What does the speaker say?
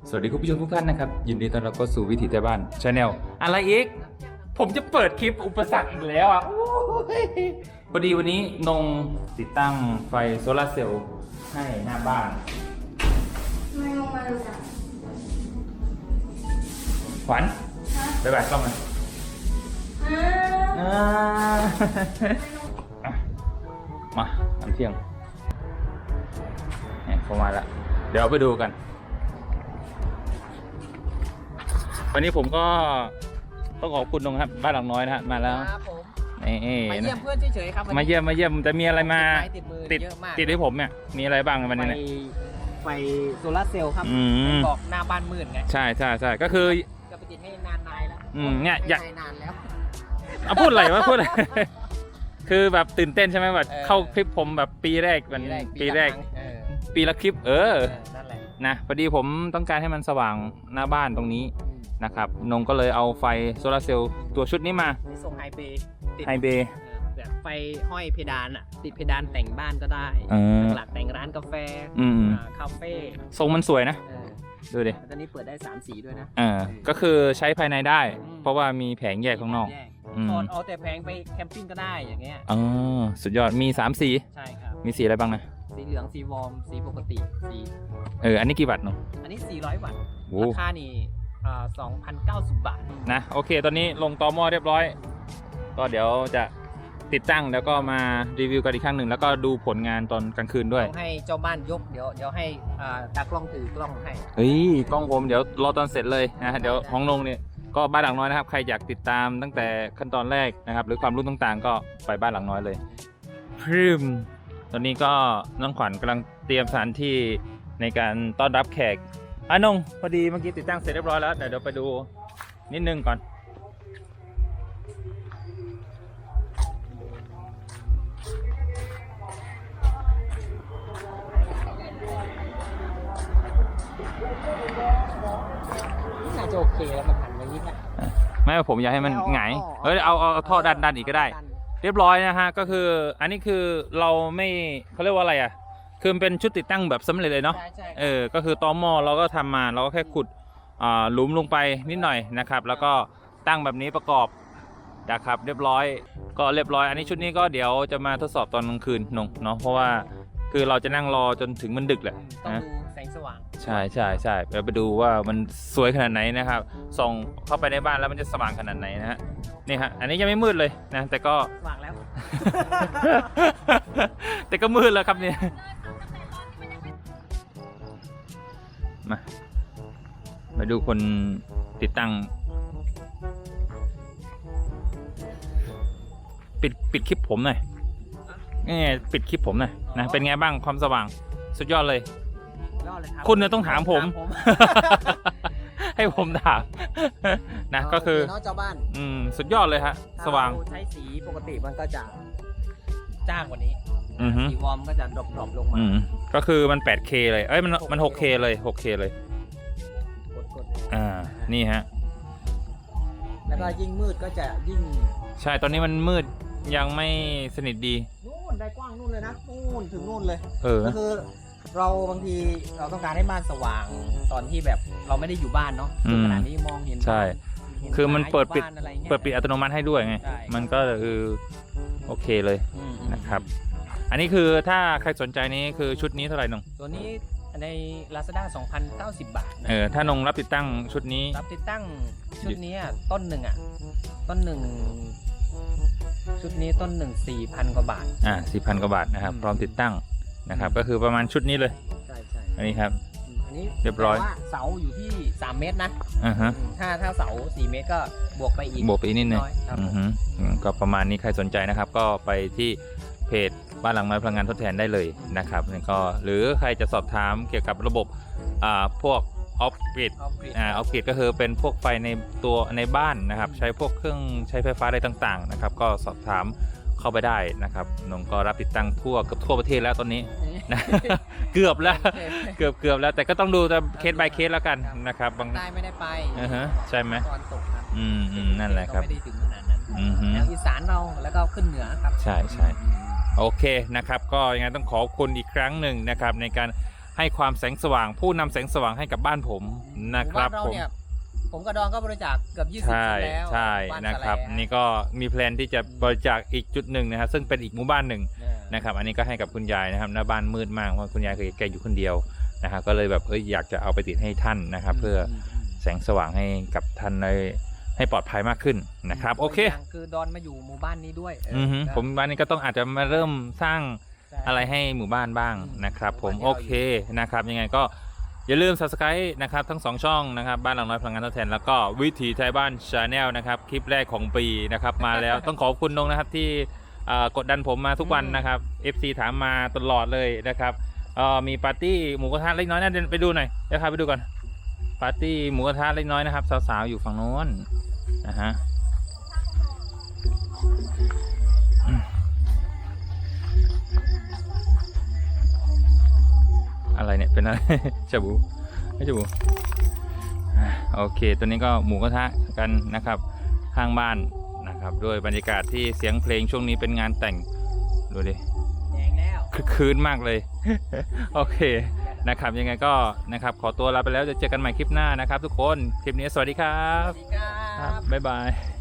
สวัสดีคุณผู้ชมทุกท่านนะครับยินดีต้อนรับเข้าสู่วิถีไทยบ้านชาแนลอะไรอีกผมจะเปิดคลิปอุปสรรคอีกแล้วอ่ะพอดีวันนี้นงติดตั้งไฟโซลาร์เซลล์ให้หน้าบ้านไม่ลงมาดูจ้ะขวัญไปบ่ายกล้องมามาทำเที่ยงเนี่ยเข้ามาแล้วเดี๋ยวไปดูกันวันนี้ผมก็ต้องขอบคุณนงครับบ้านหลังน้อยนะฮะมาแล้วครับผมนี่มาเยี่ยมเพื่อนเฉยๆครับมาเยี่ยมจะมีอะไรมาติดเยอะมากติดให้ผมเนี่ยมีอะไรบ้างวันนี้เนี่ยไฟโซลาร์เซลล์ครับบอกหน้าบ้านมืดไงใช่ก็คือจะไปติดให้นานๆแล้วเนี่ยอยากนานแล้วพูดอะไรวะพูดคือแบบตื่นเต้นใช่ไหมแบบเข้าคลิปผมแบบปีแรกปีละคลิปนั่นแหละนะพอดีผมต้องการให้มันสว่างหน้าบ้านตรงนี้นะครับนงก็เลยเอาไฟโซลาร์เซลล์ตัวชุดนี้มาส่งไฮเบย์แบบไฟห้อยเพดานอ่ะติดเพดานแต่งบ้านก็ได้หลักแต่งร้านกาแฟคาเฟ่ทรงมันสวยนะดูดิตอนนี้เปิดได้3 สีด้วยนะก็คือใช้ภายในได้เพราะว่ามีแผงแยกข้างนอกเอาแต่แผงไปแคมปิ้งก็ได้อย่างเงี้ยสุดยอดมี3 สีใช่ครับมีสีอะไรบ้างนะสีเหลืองสีวอร์มสีปกติสีอันนี้กี่วัตต์เนาะอันนี้400 วัตต์ราคานี่2,090 บาทนะโอเคตอนนี้ลงตอหม้อเรียบร้อยก็เดี๋ยวจะติดตั้งแล้วก็มารีวิวกันอีกครั้งหนึ่งแล้วก็ดูผลงานตอนกลางคืนด้วยให้เจ้าบ้านยกเดี๋ยวให้ตากล้องถือกล้องให้กล้องผมเดี๋ยวรอตอนเสร็จเลยนะเดี๋ยวของลงเนี่ยก็บ้านหลังน้อยนะครับใครอยากติดตามตั้งแต่ขั้นตอนแรกนะครับหรือความรู้ต่างๆก็ไปบ้านหลังน้อยเลยพรึมตอนนี้ก็น้องขวัญกำลังเตรียมสถานที่ในการต้อนรับแขกนงพอดีเมื่อกี้ติดตั้งเสร็จเรียบร้อยแล้วเดี๋ยวไปดูนิดนึงก่อนน่าจะโอเคแล้วมันหันอย่างนี้นะไม่ว่าผมอยากให้มันหงายเอาท่อดันอีกก็ได้เรียบร้อยนะฮะก็คืออันนี้คือเราไม่เขาเรียกว่าอะไรอ่ะคือมันเป็นชุดติดตั้งแบบสำเร็จเลยเนาะก็คือตอหม้อเราก็ทำมาเราก็แค่ขุดหลุมลงไปนิดหน่อยนะครับแล้วก็ตั้งแบบนี้ประกอบนะครับเรียบร้อยก็เรียบร้อยอันนี้ชุดนี้ก็เดี๋ยวจะมาทดสอบตอนกลางคืนเนาะเพราะว่าคือเราจะนั่งรอจนถึงมันดึกแหละต้องดูแสงสว่างใช่ไปดูว่ามันสวยขนาดไหนนะครับส่องเข้าไปในบ้านแล้วมันจะสว่างขนาดไหนนะฮะนี่ฮะอันนี้ยังไม่มืดเลยนะแต่ก็สว่างแล้วแต่ก็มืดแล้วครับเนี่ยมาดูคนติดตั้งปิดคลิปผมหน่อยนี่ปิดคลิปผมหน่อยนะเป็นไงบ้างความสว่างสุดยอดเลยคุณเนี่ยต้องถามผม ให้ผมถามนะก็คือเจ้าบ้านสุดยอดเลยฮะสว่างใช้สีปกติมันก็จะจ้างกว่านี้สีวอร์มก็จะดรอปลงมาก็คือมัน 8K เลยมัน 6K เลย 6K เลยกดนี่ฮะแล้วก็ยิ่งมืดก็จะยิ่งใช่ตอนนี้มันมืดยังไม่สนิทดีนู่นได้กว้างนู่นเลยนะนู่นถึงนู่นเลยก็คือเราบางทีเราต้องการให้บ้านสว่างตอนที่แบบเราไม่ได้อยู่บ้านเนาะขนาดนี้มองเห็นใช่คือมันเปิดปิดอัตโนมัติให้ด้วยไงมันก็คือโอเคเลยนะครับอันนี้คือถ้าใครสนใจนี้คือชุดนี้เท่าไหร่นงตัวนี้ใน Lazada 2,090 บาทถ้านงรับติดตั้งชุดนี้รับติดตั้งชุดนี้ต้นหนึ่งชุดนี้ต้นหนึ่ง 4,000 กว่าบาท 4,000 กว่าบาทนะครับพร้อมติดตั้งนะครับก็คือประมาณชุดนี้เลยใช่อันนี้ครับอันนี้เรียบร้อยเสาอยู่ที่3 เมตรนะถ้าเสา4 เมตรก็บวกไปอีกนิดนึงก็ประมาณนี้ใครสนใจนะครับก็ไปที่เพจบ้านหลังน้อยพลังงานทดแทนได้เลยนะครับก็หรือใครจะสอบถามเกี่ยวกับระบบพวกออฟกริดก็คือเป็นพวกไฟในตัวในบ้านนะครับใช้พวกเครื่องใช้ไฟฟ้าอะไรต่างๆนะครับก็สอบถามเข้าไปได้นะครับนงก็รับติดตั้งเกือบทั่วประเทศแล้วตอนนี้นะเกือบแล้วแต่ก็ต้องดูแต่เคส by เคสแล้วกันนะครับบางได้ไม่ได้ไปใช่ไหมตอนตกครับนั่นแหละครับไม่ได้ถึงขนาดนั้นแล้วอีสานเราแล้วก็ขึ้นเหนือครับใช่โอเคนะครับก็ยังไงต้องขอบคุณอีกครั้งหนึ่งนะครับในการให้ความแสงสว่างผู้นำแสงสว่างให้กับบ้านผมนะครับหมู่ผบ้านมเราเนี่ยผมกับดอนก็บริจาคเกือบ20 ใช่คนแล้วใช่บ้านะครับสะแลนี่ก็มีแพลนที่จะบริจาคอีกจุดหนึ่งนะครับซึ่งเป็นอีกหมู่บ้านหนึ่ง นะครับอันนี้ก็ให้กับคุณยายนะครับหน้าบ้านมืดมากเพราะคุณยายเคยแกอยู่คนเดียวนะครับก็เลยแบบอยากจะเอาไปติดให้ท่านนะครับ เพื่อแสงสว่างให้กับท่านให้ปลอดภัยมากขึ้นนะครับโอเคย่างคือดอนมาอยู่หมู่บ้านนี้ด้วยผมบ้านนี้ก็ต้องอาจจะมาเริ่มสร้างใช่อะไรให้หมู่บ้านบ้างนะครับผมหมู่โอบ้านที่เคนะครับยังไงก็อย่าลืม subscribe นะครับทั้ง2ช่องนะครับบ้านหลังน้อยพลังงานทดแทนแล้วก็วิถีไทยบ้าน Channel นะครับคลิปแรกของปีนะครับมาแล้ว ต้องขอบคุณนงนะครับที่กดดันผมมาทุกวันนะครับ FC ถามมาตลอดเลยนะครับมีปาร์ตี้หมูกระทะเล็กน้อยนะเดินไปดูหน่อยเดี๋ยวพาไปดูก่อนปาร์ตี้หมูกระทะเล็กน้อยนะครับสาวๆอยู่ฝั่งโน้นนะฮะอะไรเนี่ยเป็นอะไร ชาบูไม่ชาบูโอเคตัวนี้ก็หมูกระทะกันนะครับข้างบ้านนะครับด้วยบรรยากาศที่เสียงเพลงช่วงนี้เป็นงานแต่งดูดิแดงแล้วคึกคืนมากเลย โอเคนะครับยังไงก็นะครับขอตัวลาไปแล้วจะเจอกันใหม่คลิปหน้านะครับทุกคนคลิปนี้สวัสดีครัสบวัสดีครับบ๊ายบาย